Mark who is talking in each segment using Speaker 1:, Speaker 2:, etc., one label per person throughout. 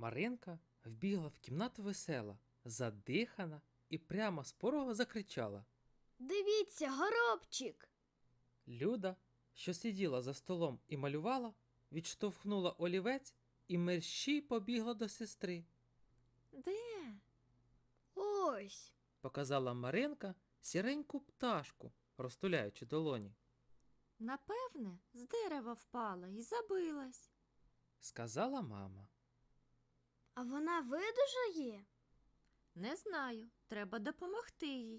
Speaker 1: Маринка вбігла в кімнату весела, задихана і прямо з порога закричала.
Speaker 2: Дивіться, горобчик!
Speaker 1: Люда, що сиділа за столом і малювала, відштовхнула олівець і мерщій побігла до сестри.
Speaker 3: Де?
Speaker 2: Ось.
Speaker 1: Показала Маринка сіреньку пташку, розтуляючи долоні.
Speaker 3: Напевне, з дерева впала і забилась.
Speaker 1: Сказала мама.
Speaker 2: А вона видужає?
Speaker 3: Не знаю, треба допомогти їй.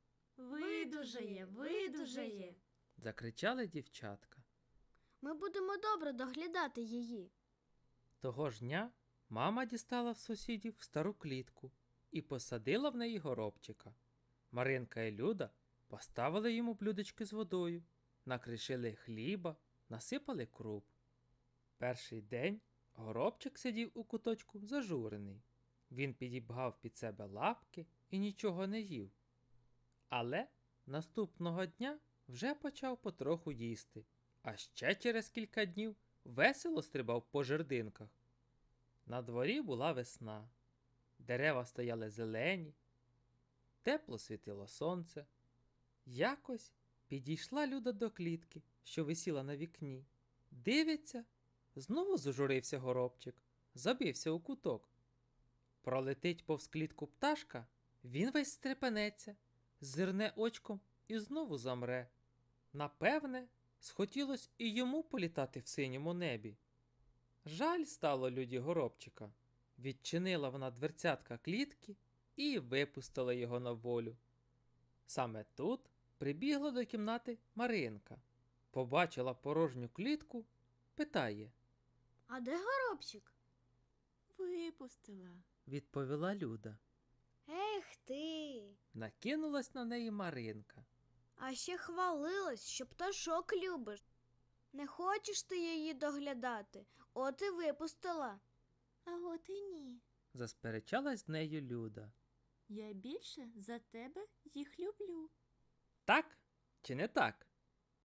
Speaker 3: Видужає.
Speaker 1: Закричали дівчатка.
Speaker 2: Ми будемо добре доглядати її.
Speaker 1: Того ж дня мама дістала в сусідів стару клітку і посадила в неї горобчика. Маринка і Люда поставили йому блюдечки з водою, накришили хліба, насипали круп. Перший день горобчик сидів у куточку зажурений. Він підібгав під себе лапки і нічого не їв. Але наступного дня вже почав потроху їсти, а ще через кілька днів весело стрибав по жердинках. На дворі була весна. Дерева стояли зелені, тепло світило сонце. Якось підійшла Люда до клітки, що висіла на вікні. Дивиться, знову зажурився горобчик, забився у куток. Пролетить повз клітку пташка, він весь стрепенеться, зирне очком і знову замре. Напевне, схотілось і йому політати в синьому небі. Жаль стало Люді горобчика. Відчинила вона дверцятка клітки і випустила його на волю. Саме тут прибігла до кімнати Маринка. Побачила порожню клітку, питає.
Speaker 2: А де горобчик?
Speaker 3: Випустила.
Speaker 1: Відповіла Люда.
Speaker 2: Ех ти!
Speaker 1: Накинулась на неї Маринка.
Speaker 2: А ще хвалилась, що пташок любиш. Не хочеш ти її доглядати, от і випустила.
Speaker 3: А от і ні.
Speaker 1: Засперечалась з нею Люда.
Speaker 3: Я більше за тебе їх люблю.
Speaker 1: Так чи не так?